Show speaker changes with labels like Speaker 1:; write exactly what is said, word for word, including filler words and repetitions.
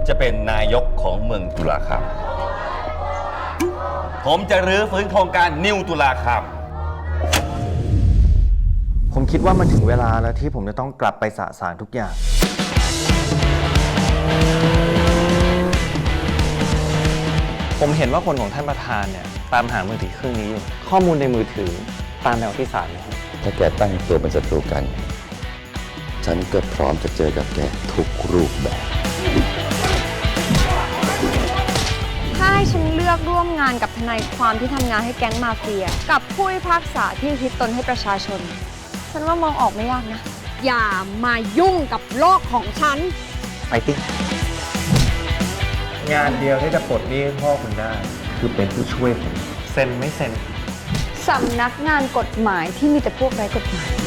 Speaker 1: จะเป็นนายกของเมืองตุลาครับผมจะรื้อฟื้นโครงการนิวตุลาครับ
Speaker 2: ผมคิดว่ามันถึงเวลาแล้วที่ผมจะต้องกลับไปสะสางทุกอย่างผมเห็นว่าคนของท่านประธานเนี่ยตามหามือถือเครื่องนี้อยู่ข้อมูลในมือถือตามแนวที่ศาลนะครับ
Speaker 3: ถ้าแกตั้งตัวเป็นศัตรูกันฉันก็พร้อมจะเจอกับแกทุกรูปแบบ
Speaker 4: ถ้าให้ฉันเลือกร่วมงานกับทนายความที่ทำงานให้แก๊งมาเฟียกับผู้พิพากษาที่อุทิศตนให้ประชาชนฉันว่ามองออกไม่ยากนะอย่ามายุ่งกับโลกของฉัน
Speaker 2: ไปติงานเดียวที่จะปลดหนี้ให้พ่อคุณได้คือเป็นผู้ช่วยผมเซ็นไม่เซ็น
Speaker 4: สำนักงานกฎหมายที่มีแต่พวกไร้กฎหมาย